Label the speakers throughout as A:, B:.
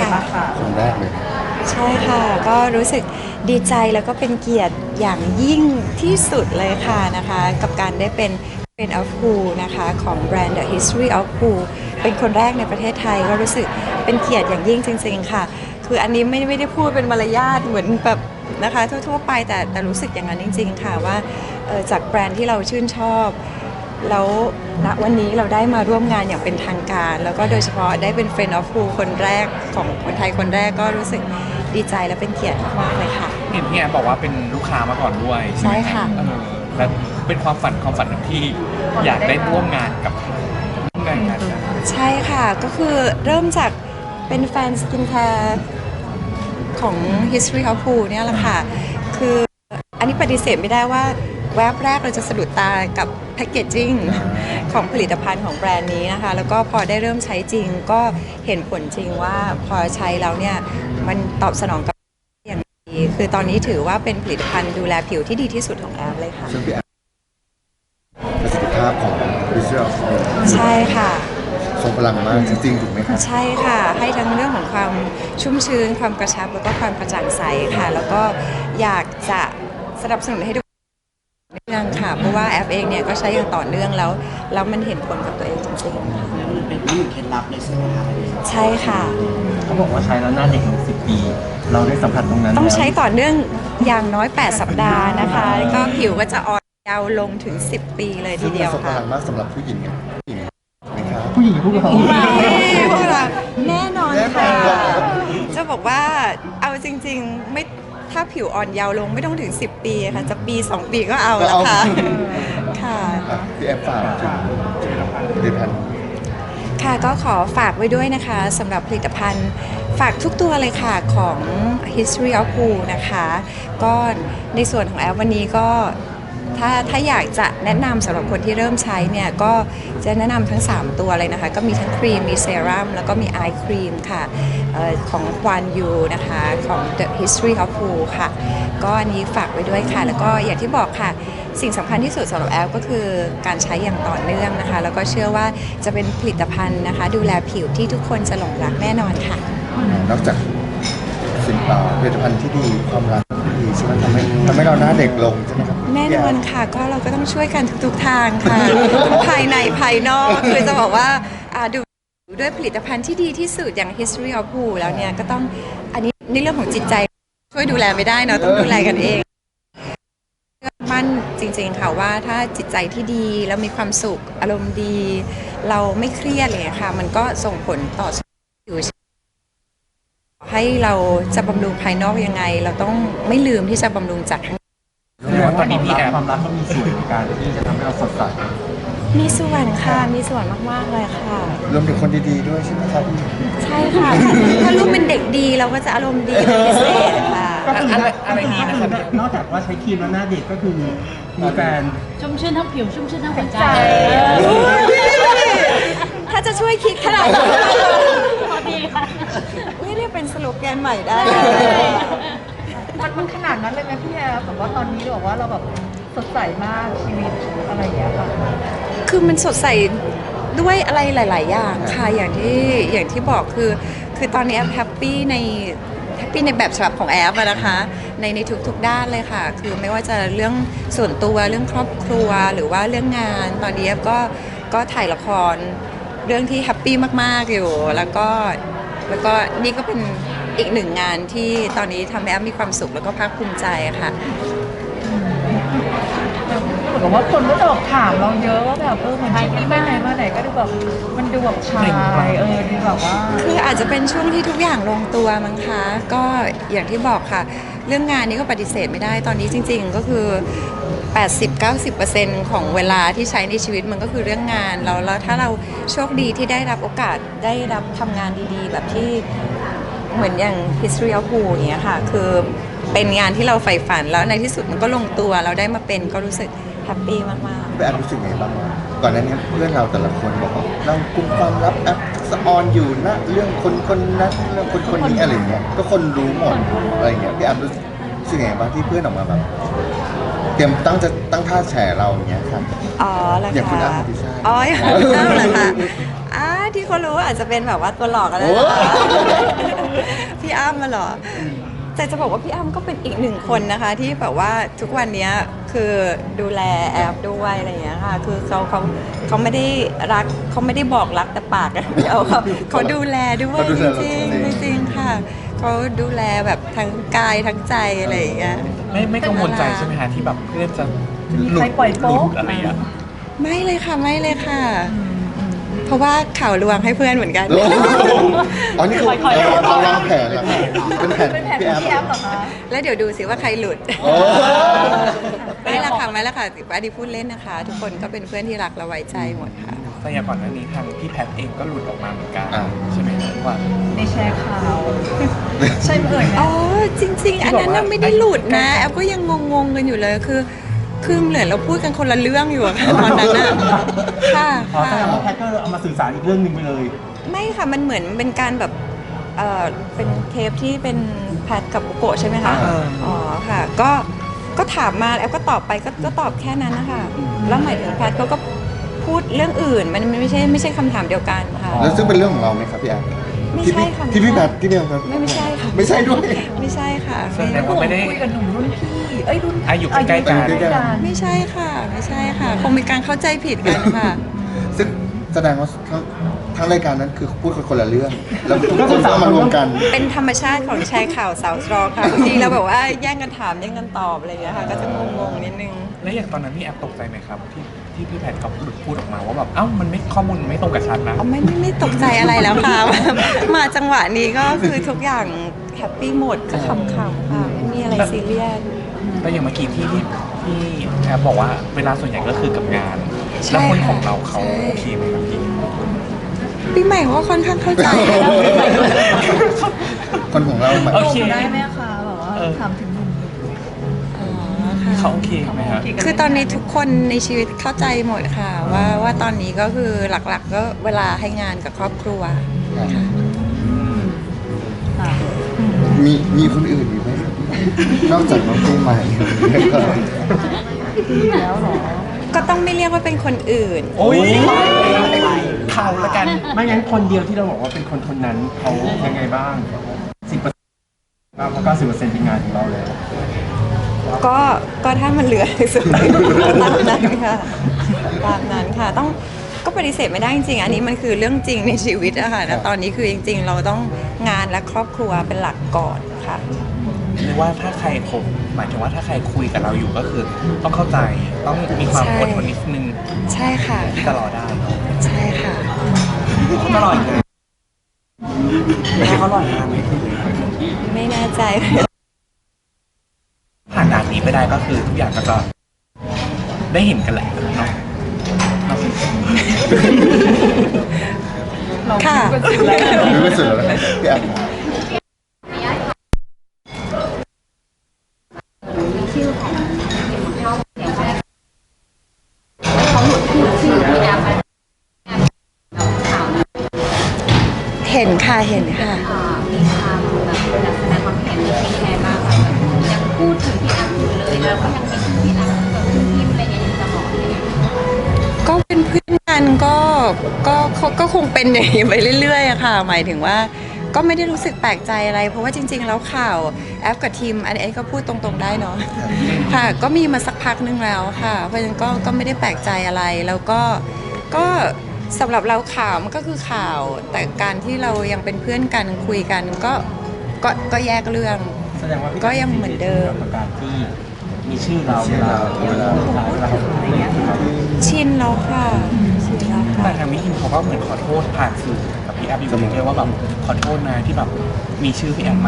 A: ค่ะ
B: คนแรกเลย
A: ใช่ค่ะก็รู้สึกดีใจแล้วก็เป็นเกียรติอย่างยิ่งที่สุดเลยค่ะนะคะกับการได้เป็น Friend of Who นะคะของแบรนด์ The History of Who เป็นคนแรกในประเทศไทยก็รู้สึกเป็นเกียรติอย่างยิ่งจริงๆค่ะคืออันนี้ไม่ได้พูดเป็นมารยาทเหมือนแบบนะคะทั่วๆไปแต่รู้สึกอย่างนั้นจริงๆค่ะว่าจากแบรนด์ที่เราชื่นชอบแล้วณวันนี้เราได้มาร่วมงานอย่างเป็นทางการแล้วก็โดยเฉพาะได้เป็น Friend of Who คนแรกของคนไทยคนแรกก็รู้สึกดีใจและเป็นเกียรติมากๆเลยค่ะ
C: เห็นพี่แอนบอกว่าเป็นลูกค้ามาก่อนด้วยใช่ไหม
A: ใช่ค่ะ
C: แล้วเป็นความฝันของพี่อยากได้ร่วมงานกับร่วมงานกัน
A: ใช่ค่ะก็คือเริ่มจากเป็นแฟนสกินแคร์ของ History of Who เนี่ยแหละค่ะคืออันนี้ปฏิเสธไม่ได้ว่าแวบแรกเราจะสะดุดตากับแพคเกจจิ้งของผลิตภัณฑ์ของแบรนด์นี้นะคะแล้วก็พอได้เริ่มใช้จริงก็เห็นผลจริงว่าพอใช้แล้วเนี่ยมันตอบสนองกับอย่างดีคือตอนนี้ถือว่าเป็นผลิตภัณฑ์ดูแลผิวที่ดีที่สุดของแอปเลยค่ะ
B: ซึ่งพี่แอมประสิทธิภาพของวิชวล
A: ใช่ค่ะ
B: ทรงพลังมากจริงๆถูกไหมครับ
A: ใช่ค่ะให้ทั้งเรื่องของความชุ่มชื้นความกระชับแล้วก็ความกระจ่างใสค่ะแล้วก็อยากจะสนับสนุนให้ทุกเรื่องค่ะเพราะว่าแอปเองเนี่ยก็ใช้อย่างต่อเนื่องแล้วมันเห็นผลกับตัวเองจริง
D: มันเป็นที่เคล็ดลับเลยใช่ไหมคะ
A: ๆใช่ค่ะ
D: เขาบอกว่าใช้แล้วหน้าเด็กลง10 ปี เราได้สัมผัสตรงนั้น
A: ต้อง
D: แล้ว
A: ใช้ต่อเนื่องอย่างน้อย8สัปดาห์นะคะแล้วก็ผิวก็จะอ่อนเยาว์ลงถึง10 ปีเลยที
B: ซึ่ง
A: เดียว
B: ทรงพ
A: ค่ะ
B: ลังมากสำหรับผู้หญิงไงผู้หญิงนะครับ
D: ผู้หญิงพวกเรา
A: พวกเราแน่นอนค่ะ
B: แน่นอนครับ
A: จะบอกว่าเอาจริงๆไม่ถ้าผิวอ่อนเยาว์ลงไม่ต้องถึง10 ปีค่ะจะปี2 ปีก็เอาแล้วค่ะค่ะ
B: พี่แอมฝากถึงผลิตภัณฑ์
A: ค่ะก็ขอฝากไว้ด้วยนะคะสำหรับผลิตภัณฑ์ฝากทุกตัวเลยค่ะของ History of Who นะคะก็ในส่วนของแอปวันนี้ก็ถ้าอยากจะแนะนำสำหรับคนที่เริ่มใช้เนี่ยก็จะแนะนำทั้ง 3 ตัวเลยนะคะก็มีทั้งครีมมีเซรั่มแล้วก็มีไอครีมค่ะของควานยูนะคะของ The History of Who ค่ะก็อันนี้ฝากไว้ด้วยค่ะแล้วก็อย่างที่บอกค่ะสิ่งสำคัญที่สุดสำหรับแอปก็คือการใช้อย่างต่อเนื่องนะคะแล้วก็เชื่อว่าจะเป็นผลิตภัณฑ์นะคะดูแลผิวที่ทุกคนจะหลงรักแน่นอนค่ะ
B: นอกจากผลิตภัณฑ์ที่ดีความรักที่ดีใช่ไหมทำให้เราหน้าเด็กลงใช่ไหมครับ
A: แน่นอนค่ะก็เราก็ต้องช่วยกันทุกๆทางค่ะ ทั้งภายในภายนอกคือจะบอกว่าดูด้วยผลิตภัณฑ์ที่ดีที่สุดอย่าง History of Who แล้วเนี่ยก็ต้องอันนี้ในเรื่องของจิตใจช่วยดูแลไม่ได้เนาะต้องดูแลกันเองเชื่อมั่นจริงๆค่ะว่าถ้าจิตใจที่ดีแล้วมีความสุขอารมณ์ดี เราไม่เครียดเลยค่ะมันก็ส่งผลต่อผิวให้เราจะบำรุงภายนอกยังไง เราต้องไม่ลืมที่จะบำรุงจากข้าง
C: ตอนนี้พี่แอม
D: ความรักก็มีส่วนในการที่จะทำให้เราสดใส
A: มีส่วนค่ะมีส่วนมากๆเลยค่ะ
B: รวมถึงคนดีๆด้วยใช่ไหมครับ
A: ใช่ค่ะ ถ้าลูกเป็นเด็กดีเราก็จะอารมณ์ดีเป็นพิเศษค่ะ
D: ก็คือ
C: อะไรดีนะครับ
D: นอกจากว่าใช้ครีมแล้วหน้าเด็กก็คือมีแฟน
E: ชุ่มชื่นทั้งผิวชุ่มชื่นทั้งหัวใจ
A: ถ้าจะช่วยคิดขนาดนั้น
E: พอดีค่ะ
A: นี่เรียกเป็นสโลแกนใหม่ได้
F: มันขนาดนั้นเลยไหมพี่แอฟแบบว่าตอนนี้บอกว่าเราแบบสดใสมากชีวิตอะไรอย่างเงี้ยค่ะ
A: คือมันสดใสด้วยอะไรหลาย ๆ อย่างค่ะอย่างที่บอกคือตอนนี้แอปแฮปปี้ในแบบฉบับของแอปอะนะคะในทุกๆด้านเลยค่ะ คือไม่ว่าจะเรื่องส่วนตัวเรื่องครอบครัวหรือว่าเรื่องงานตอนนี้แอปก็ถ่ายละครเรื่องที่แฮปปี้มาก ๆ อยู่แล้วก็นี่ก็เป็นอีกหนึ่งงานที่ตอนนี้ทำให้แอปมีความสุขแล้วก็ภาคภูมิใจค่ะ
F: เหมือนกับว่าคนก็จะแบบถามเราเยอะว่าแบบเหมือนชีวิตไปไหนมาไหนก็ดูแบบมันดูแบบชายดูแบบว่า
A: คืออาจจะเป็นช่วงที่ทุกอย่างลงตัวมั้งคะก็อย่างที่บอกค่ะ เรื่องงานนี้ก็ปฏิเสธไม่ได้ตอนนี้จริง ๆ ก็คือ 80-90% ของเวลาที่ใช้ในชีวิตมันก็คือเรื่องงานแล้วถ้าเราโชคดีที่ได้รับโอกาสได้รับทำงานดีๆ แบบที่เหมือนอย่าง History of Who อย่างเงี้ยค่ะคือเป็นงานที่เราใฝ่ฝันแล้วในที่สุดมันก็ลงตัวเราได้มาเป็นก็รู้สึกแฮปปี้มากๆ
B: พี่แอมรู้สึกไงบ้างวะก่อนหน้านี้เพื่อนเราแต่ละคนบอกว่าเรากุมความลับแอปสะออนอยู่นะเรื่องคนนั้นเรื่องคนนี้อะไรเงี้ยก็คนรู้หมดอะไรเงี้ยพี่แอมรู้สึกไงบ้างที่เพื่อนออกมาแบบเตรียมตั้งท่าแฉเราอย่างเงี้ยครับ
A: อ๋อเหรอคะ
B: อย่างคุณอ้ำอธิชาติ
A: อ๋ออย่างคุณอ้ำเหรอคะที่เขารู้อาจจะเป็นแบบว่าตัวหลอกอะไร
B: โอ้
A: พี่อ้ำมาเหรอแต่จะบอกว่าพี่อ้ำก็เป็นอีกหนึ่งคนนะคะ ที่แบบว่าทุกวันนี้คือดูแลแอฟด้วยอะไรอย่างเงี้ยค่ะคือเขาไม่ได้รักเขาไม่ได้บอกรักแต่ปากอย่างเดียวเขาดูแลด้วย
B: เขาดู
A: จ
B: แล
A: ริง
B: เรา
A: ๆจริงๆค่ะเขาดูแลแบบทั้งกายทั้งใจอะไรอย่างเงี้ย
C: ไม่กังวลใจใช่ไหมฮะที่แบบเพื่อนจะ
F: มี
C: หลุ
F: ใคร
C: ด
F: ปล่อย
C: หลุ
F: โป๊ะ
C: ดอะไรอ่ะ
A: ไม่เลยค่ะไม่เลยค่ะ เพราะว่าข่าวลวงให้เพื่อนเหมือนกัน
B: โอ้โหอ๋อนี่คือเราวางแผนแล้วค่ะเป็นแผน
F: เป็นแผน
B: พี่
F: ข
B: แอ
F: อง
B: ฟ
F: พี่แอฟเหรอคะ
A: แล้วเดี๋ยวดูสิว่าใครหลุด
B: โอ้
A: ไม่ละค่ะไม่ละค่ะว่าดีพูดเล่นนะคะ ทุกคนก็เป็นเพื่อนที่รักและไว้ใจหมดค่ะ
C: แต่อย่างก่อนหน้านี้ทางพี่แพทเองก็หลุดออกมาเหมือนกัน
B: อ่า
C: ใช่ไหมครับว่า
F: ในแชร์ข่าว ใช่ไหมเอ่ย
A: อ๋อจริง ๆ อันนั้นน่ะไม่ได้หลุดนะแอฟก็ยังงงๆกันอยู่เลยคือเหมือนเราพูดกันคนละเรื่องอยู่อะค่ะตอนนั้นน่ะค่ะ
D: อ๋อแส
A: ค่ะ
D: ดงว่าแพทก็เอามาสื่อสารอีกเรื่องหนึ่งไปเลย
A: ไม่ค่ะมันเหมือนเป็นการแบบเป็นเทปที่เป็นแพทกับบุโกะใช่ไหมคะ
B: อ่า
A: อ๋อค่ะก็ถามมาแอฟก็ตอบไปก็ตอบแค่นั้นนะคะแล้วหมายถึงแพทเขาก็พูดเรื่องอื่นมันไม่ใช่คำถามเดียวกันค่ะ
B: แล้วซึ่งเป็นเรื่องของเราไหมครับพี่แอฟ
A: ไม่ใช่ค่ะ
B: ที่พี่แพทที่เดียวครับ
A: ไม่ใช่ค่ะ
B: ไม่ใช่ด้วย
A: ไม่ใช่ค่ะ
C: แสดงว่าไม่ได้
F: คุยกับหนุ่มรุ่นพี่เอ้ยรุ่น
C: อายุใกล้ๆกัน
F: อายุใกล้ๆกัน
A: ไม่ใช่ค่ะไม่ใช่ค่ะคงมีการเข้าใจผิดกันค่ะ
B: ซึ่งแสดงว่าทั้งรายการนั้นคือพูดคนละเรื่อง แล้วทุกคนก็มารวมกัน
A: เป็นธรรมชาติของชายข่าวสาวสตรองค่ะบางทีเราแบบว่าแย่งกันถามแย่งกันตอบอะไรอย่างเงี้ยค่ะก็จะงงๆนิดนึง
C: แล้วอย่างตอนนั้นพี่แอฟตกใจไหมครับที่พี่แพทเขาหลุดพูดออกมาว่าแบบเอ้ามันไม่ข้อมูลไม่ตรงกับฉันนะ
A: อ๋อไม่ตกใจอะไรแล้วค่ะ มาจังหวะนี้ก็คือทุกอย่างแฮปปี้หมดก็ขำๆค่ะไม่มีอะไรซีเรียส
C: แล้วอย่างเมื่อกี้ที่แอฟบอกว่าเวลาส่วนใหญ่ก็คือกับงาน
A: ใช่
C: แล้วคน
A: ค่ะ
C: ของเราเขา
A: ใช่
C: โอเคไหมครับพี่
A: ปีใหม่เขาก็ค่อนข้างเข้าใจ
B: คนของเราหมาย
C: โอเค
F: ได้ไหมคะแบบว่าถามถึงหนุ่ม
A: อ๋อค่ะ
C: เขาโอเคไหมครับ
A: คือตอนนี้ทุกคนในชีวิตเข้าใจหมดค่ะ ว่าตอนนี้ก็คือหลักๆ ก็เวลาให้งานกับครอบครัว
F: ค่ะ
B: มีคนอื่นอยู่ไหมครับนอกจากน้องปีใหม่
F: แล้วเหรอ
A: ก็ต้องไม่เรียกว่าเป็นคนอื่น
C: โอ้ยเขาละกัน
D: ไม่งั้นคนเดียวที่เราบอกว่าเป็นคนนั้นเขายังไงบ้าง 10%บ้างเพราะ90%เป็นงานของเราเลย
A: ก็ถ้ามันเหลือสุดตามนั้นค่ะตามนั้นค่ะต้องก็ปฏิเสธไม่ได้จริงๆอันนี้มันคือเรื่องจริงในชีวิตอะค่ะนะตอนนี้คือจริงๆ เราต้องงานและครอบครัวเป็นหลักก่อนค่ะ
C: หรือว่าถ้าใครคบหมายถึงว่าถ้าใครคุยกับเราอยู่ก็คือต้องเข้าใจต้องมีความอดทนนิดนึง
A: ใช่ค่ะ
C: ที่จะรอได้เนอะ
A: ใช่ค่ะ
C: ตลอดงานแล้วเขารอนานไหม
A: ไม่แน่ใจ
C: ผ่านด่านนี้ไปได้ก็คือทุกอย่างก็จะได้เห็นกันแหละเนาะ
A: ค่ะ
B: รู้ไม่สุดแล้วนะครับพี่แอฟ
A: เห็นค่ะเห็นค่ะ
E: มีความแบบแสดงความเห็นในฟีแชร์มากแบบยังพูดถึงพี่แอฟอยู่เลยแล้วก็ยังมีพี่แอฟกับพี่พิมอะไรอย่างเงี้ยอยู่ตลอดเลย
A: ก็เป็นเพื่อนกันก็คงเป็นอย่างนี้ไปเรื่อยๆอะค่ะ หมายถึงว่าก็ไม่ได้รู้สึกแปลกใจอะไร เพราะว่าจริง ๆ แล้วข่าวแอฟกับทีมอันนี้ก็พูดตรงๆได้เนาะค่ะ ก็มีมาสักพักนึงแล้วค่ะ เพราะฉะนั้นก็ไม่ได้แปลกใจอะไรแล้วก็สำหรับเราข่าวมันก็คือข่าว แต่การที่เรายังเป็นเพื่อนกันคุยกันก็แยกเรื่อง
D: แสดงว่าพี่
A: ก็ยังเหมือนเดิม
D: กับการที่มีชื่อเราเวลาอะไรเงี้ยครับ
A: ชินแล้วค่ะชินแล้วค่ะ
C: แต่ทางมิทินเขาก็เหมือนขอโทษผ่านสื่อกับพี่แอฟอยู่เรื่อยๆว่าแบบขอโทษนะที่แบบมีชื่อพี่แอฟมา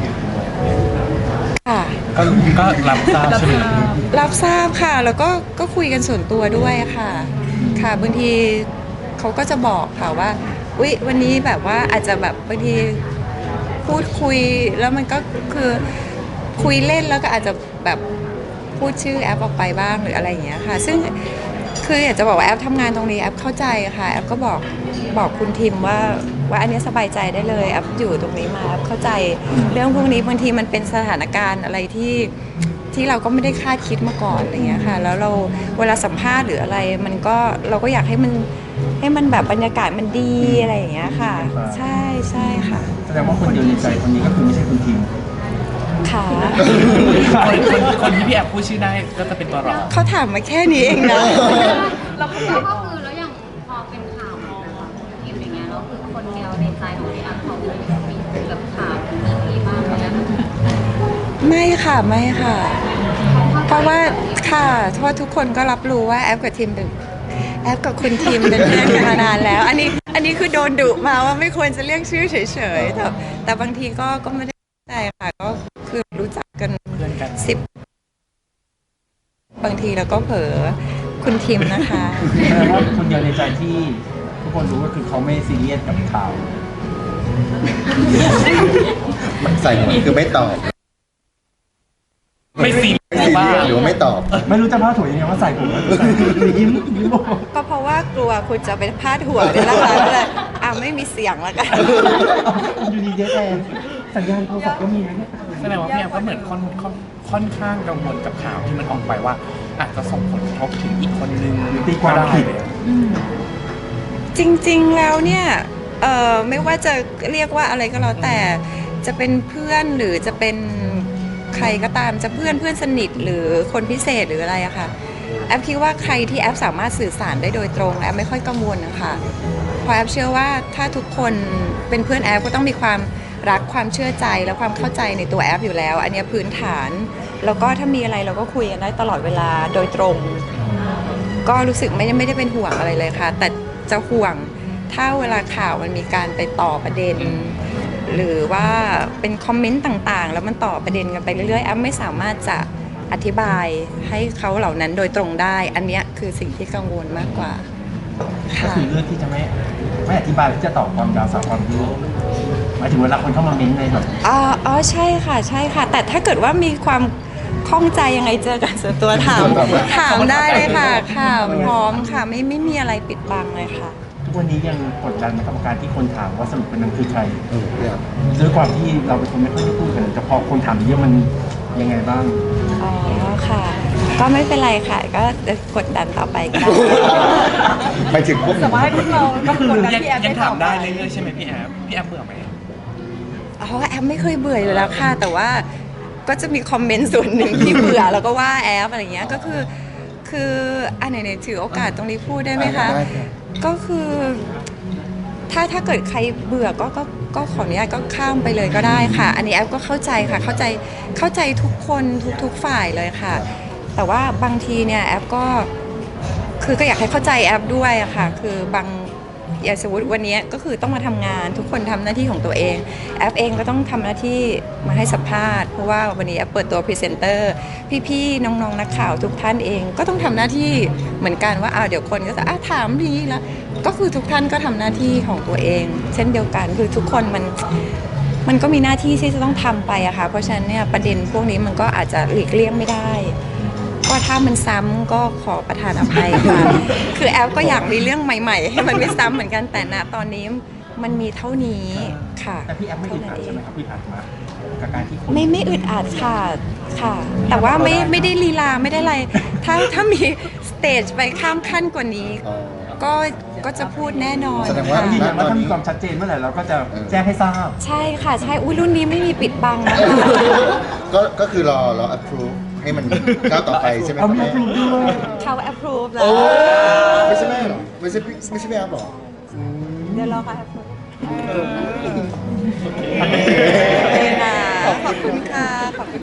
A: ค่ะ
C: ก็รับทราบใช่ไหม
A: รับทราบค่ะ แล้วก็คุยกันส่วนตัวด้วยค่ะ ค่ะบางทีเขาก็จะบอกค่ะว่าอุ๊ยวันนี้แบบว่าอาจจะแบบบางทีพูดคุยแล้วมันก็คือคุยเล่นแล้วก็อาจจะแบบพูดชื่อแอปออกไปบ้างหรืออะไรอย่างเงี้ยค่ะ ซึ่งคืออยากจะบอกว่าแอปทำงานตรงนี้แอปเข้าใจค่ะแอปก็บอกคุณทิมว่าอันนี้สบายใจได้เลยแอปอยู่ตรงนี้มาแอปเข้าใจเรื่องพวกนี้บางทีมันเป็นสถานการณ์อะไรที่เราก็ไม่ได้คาดคิดมาก่อนอะไรเงี้ยค่ะแล้วเราเวลาสัมภาษณ์หรืออะไรมันก็เราก็อยากให้มันให้มันแบบบรรยากาศมันดีอะไรอย่างเงี้ยค่ะ ใช่ใช่ค่ะ
D: แสดงว่าคนเดียวในใจคนนี้ก็คือไม่ใช่คุณทีม
A: ค่ะ
C: คนที่พี่แอฟพูดชื่อได้ก็จะเป็นตัวรอง
A: เขาถามมาแค่นี้เองนะ
E: เราก็คือแล้วอย่างพอเป็นข่าวมองของทีมอย่างเงี้ยเราคือคนเดียวในใจของพี่อัพเขามีแบบข่าวมีบ้างไหม
A: ไม่ค่ะไม่ค่ะ เพราะว่าค่ะเพราะว่าทุกคนก็รับรู้ว่าแอฟกับทีมเป็นแอฟกับคุณทีมเป็นเพื่อนกันมานานแล้ว อันนี้คือโดนดุมาว่าไม่ควรจะเรียกชื่อเฉยๆแต่บางทีก็ไม่ได้ใจค่ะก็คือรู้จักกัน
C: เพื่อนกัน
A: บางทีเราก็เผลอคุณทีมนะคะ
D: แสดงว่าคนเดียวในใจที่ทุกคนรู้ก็คือเขาไม่ซีเรียสกับข่าว
B: มันใส่หัวคือไม่ตอบ
C: ไม่ซี
B: ไม่ซีเรียสหรือว่าไม่ตอบ
D: ไม่รู้จะพาดถั่วยังไงว่าใส่ผมแล้วใส่ยิ้มบอก
A: ก็เพราะว่ากลัวคุณจะเป็นพาดหัวเนี่ยแหละค่ะก็เลยไม่มีเสียงแล้วกัน
D: อยู่ดีเจ๊แทนสัญญาณโทรศัพท์ก็มีนะเนี่ย
C: แสดงว่าพี่แอฟก็เหมือนค่อนข้างกังวลกับข่าวที่มันออกไปว่า อาจจะส่งผลกระทบถึงอีกคนนึง
D: ตีความ
C: ก็ได้
D: ผิด
C: เลย
A: จริงๆ แล้วเนี่ยไม่ว่าจะเรียกว่าอะไรก็แล้วแต่จะเป็นเพื่อนหรือจะเป็นใครก็ตามจะเพื่อนสนิทหรือคนพิเศษหรืออะไรอะค่ะแอฟคิดว่าใครที่แอฟสามารถสื่อสารได้โดยตรงแอฟไม่ค่อยกังวลนะคะเพราะแอฟเชื่อว่าถ้าทุกคนเป็นเพื่อนแอฟก็ต้องมีความรักความเชื่อใจและความเข้าใจในตัวแอฟอยู่แล้ว อันเนี้ยพื้นฐานแล้วก็ถ้ามีอะไรเราก็คุยกันได้ตลอดเวลาโดยตรง ก็รู้สึกไม่ได้เป็นห่วงอะไรเลยค่ะ แต่จะห่วงถ้าเวลาข่าวมันมีการไปต่อประเด็น หรือว่าเป็นคอมเมนต์ต่างๆ แล้วมันต่อประเด็นกันไปเรื่อยๆแอฟไม่สามารถจะอธิบายให้เขาเหล่านั้นโดยตรงได้ อันเนี้ยคือสิ่งที่กังวลมากกว่า
D: ก็
A: ค่ะ
D: คือเรื่องที่จะไม่อธิบายที่จะตอบความยาวสาวความยืดหมายถึงเวลาคนเข้ามาเม้นต์ในแบบ
A: อ๋อใช่ค่ะใช่ค่ะ แต่ถ้าเกิดว่ามีความข้องใจยังไงเจอกันส่วนตัวถามได้เลยค่ะค่ะพร้อมค่ะไม่มีอะไรปิดบังเลยค่ะ
D: ทุกวันนี้ยังกดดันกรรมการที่คนถามว่าสรุปเป็นนั้นคือใคร
B: เนี่ย
D: ด้วยความที่เราเป็นคนไม่ค่อยได้พูดกันแต่พอคนถามเยอะมันยังไงบ้าง
A: อ๋อค่ะ ก็ไม่เป็นไรค่ะ ก็กดดันต่อไปก็ได้
B: ไปถึงพวกหนู
F: แต่ว่าให้พวกเราก็คือกดดัน
C: ยัง
F: พี่แอฟ
C: ยังถามได้
F: ต่อป
C: เรื่อยๆใช่ไหมพี่แอฟเบื่อไหม
A: อ๋อแอฟไม่เคยเบื่ออยู่แล้วค่ะ แต่ว่าก็จะมีคอมเมนต์ส่วนหนึ่งที่เบื่อแล้วก็ว่าแอฟอะไรเงี้ยก็คืออันไหนถือโอกาสตรงนี้พูดได้ไหมคะ
B: ได้ค่ะ
A: ก็คือถ้าเกิดใครเบื่อก็ขออนุญาตก็ข้ามไปเลยก็ได้ค่ะ อันนี้แอฟก็เข้าใจค่ะเข้าใจทุกคนทุกฝ่ายเลยค่ะ แต่ว่าบางทีเนี่ยแอฟก็อยากให้เข้าใจแอฟด้วยอะค่ะ คือบางอย่างสมมติวันนี้ก็คือต้องมาทำงานทุกคนทำหน้าที่ของตัวเองแอฟเองก็ต้องทำหน้าที่มาให้สัมภาษณ์เพราะว่าวันนี้แอฟเปิดตัวพรีเซนเตอร์พี่ๆน้องๆนักข่าวทุกท่านเองก็ต้องทำหน้าที่เหมือนกันว่าเดี๋ยวคนก็จะถามดีแล้วก็คือทุกท่านก็ทำหน้าที่ของตัวเอง เช่นเดียวกันคือทุกคนมันก็มีหน้าที่ที่จะต้องทำไปอะค่ะเพราะฉะนั้นเนี่ยประเด็นพวกนี้มันก็อาจจะหลีกเลี่ยงไม่ได้ ก็ถ้ามันซ้ำก็ขอประทานอภัยค่ะ คือแอฟก็อยากมีเรื่องใหม่ๆ ให้มันไม่ซ้ำเหมือนกันแต่ณตอนนี้มันมีเท่านี้ค่ะ
D: แต่พี่แอฟไม่อึดอัดใช่ไหมครับพี่อัดมากับการที่คน
A: ไม่อึดอัดค่ะค่ะ แต่ว่าไม่ได้ลีลาไม่ได้อะไร ถ้ามีสเตจไปข้ามขั้นกว่านี้
B: อ๋อ
A: ก็จะพูดแน่นอน
B: แสดงว่า
A: ค่ะ
D: ยืนยันว่าถ้ามีความชัดเจนเมื่อไหร่เราก็จะแจ้งให้ทราบ
A: ใช่ค่ะใช่อุ้ยรุ่นนี้ไม่มีปิดบังนะคะ
B: ก็คือรอ approve ให้มันก้าวต่อไปใช่ไหมค
D: เอา
B: รับ
D: มี
B: แม่
D: ปรุงด้วย
A: เขา approve แล้
B: โอ้
A: ว
B: ไม่ใช่แม่เหรอไม่ใช่แม่เหรอ
A: เดี๋ยวรอเขา approve
B: โอเค
A: ขอบคุณค่ะขอบคุณ